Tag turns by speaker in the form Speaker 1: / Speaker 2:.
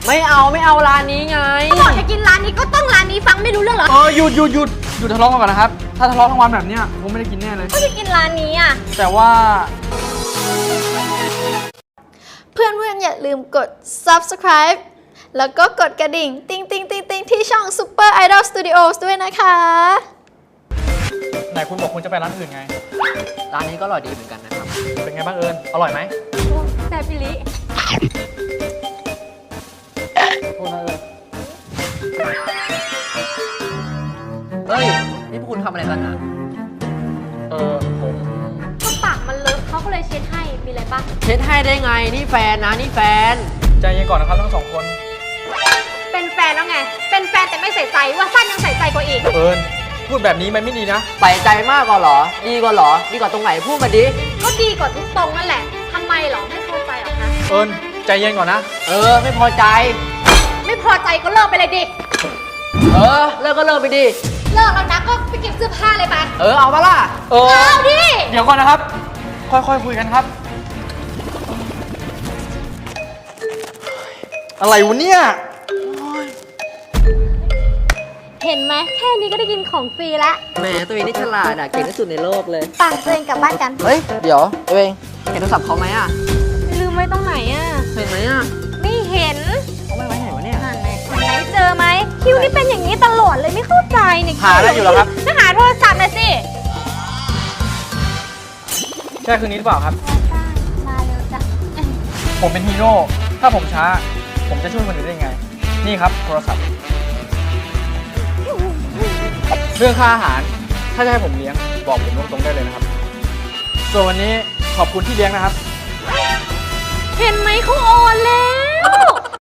Speaker 1: ไม่เอาร้านนี้ไง
Speaker 2: บอกจะกินร้านนี้ก็ต้องร้านนี้ฟังไม่รู้เรื่องเหรอ
Speaker 3: หยุดทะเลาะกันก่อนนะครับถ้าทะเลาะทั้งวันแบบเนี้ยผมไม่ได้กินแน่เลย
Speaker 2: ก็จะกินร้านนี้อ่ะ
Speaker 3: แต่ว่า
Speaker 4: เพื่อนๆอย่าลืมกด subscribe แล้วก็กดกระดิ่งติ๊งที่ช่อง Super Idol Studios ด้วยนะคะ
Speaker 3: ไหนคุณบอกคุณจะไปร้านอื่นไง
Speaker 1: ร้านนี้ก็อร่อยดีเหมือนกันนะครับ
Speaker 3: เป็นไงบ้างเอิญอร่อยไหม
Speaker 2: แต่พิลิ
Speaker 3: โทษนะเอิญ
Speaker 1: เฮ้ยนี่พวกคุณทำอะไรกันอ่ะ
Speaker 3: ผม
Speaker 2: ก็ปากมันเลอะเขาก็เลยเช็ดให้มีอะไรปะ
Speaker 1: เช็ดให้ได้ไงนี่แฟนนะนี่แฟน
Speaker 3: ใจเย็นก่อนนะครับทั้งสองคน
Speaker 2: เป็นแฟนแล้วไงเป็นแฟนแต่ไม่ใส่ใจว่าสั้นยังใส่ใจกว่าอีก
Speaker 3: เอิญพูดแบบนี้มันไม่ดีนะ
Speaker 1: ใส่ใจมากกว่าหรอดีกว่าหรอดีกว่าตรงไหนพูดมาดิ
Speaker 2: ก็ดีกว่าทุกตรงนั่นแหละทำไมหรอไม่พอใจหรอคะ
Speaker 3: เอิญใจเย็นก่อนนะ
Speaker 1: ไม่พอใจ
Speaker 2: ไม่พอใจก็เลิกไปเลยดิ
Speaker 1: เลิกก็เลิกไปดิ
Speaker 2: เลิกแล้วนะก็ไปเก็บเสื้อผ้าเลยไป
Speaker 1: เอาปะล่ะ
Speaker 2: เอาดิ
Speaker 3: เดี๋ยวก่อนนะครับค่อยๆคุยกันครับอะไรวะเนี่ย
Speaker 2: เห็นไหมแค่นี้ก็ได้กินของฟรีละ
Speaker 1: แหมตัวเองนี่ฉลาดเก่งที่สุดในโลกเลย
Speaker 4: ป่ะตัวเองกลับบ้านกัน
Speaker 1: เฮ้ยเดี๋ยวตัวเองเห็นโทรศัพท์เขาไหมอ่ะ
Speaker 2: ลืมไว้ตรงไหนอ่ะ
Speaker 1: เห็นไหมอ่ะ
Speaker 2: ไม่เห็น
Speaker 1: เขาไม่ไว้ไหนวะเนี่ย
Speaker 2: ไหนเจอไหมคิวนี่เป็นอย่างนี้ตลอดเลยไม่เข้าใจเนี่ย
Speaker 3: หาได้อยู่แล้วครับ
Speaker 2: จะหาโทรศัพท์เลยสิ
Speaker 3: ใช่คืนนี้หรือเปล่าครับ
Speaker 2: มาเร็วจ้ะ
Speaker 3: ผมเป็นฮีโร่ถ้าผมช้าผมจะช่วยคนอื่นได้ไงนี่ครับโทรศัพท์เรื่องค่าอาหารถ้าจะให้ผมเลี้ยงบอกผมตรงๆได้เลยนะครับส่วนวันนี้ขอบคุณที่เลี้ยงนะครับ
Speaker 2: เห็นไหมเขาโอนแล้ว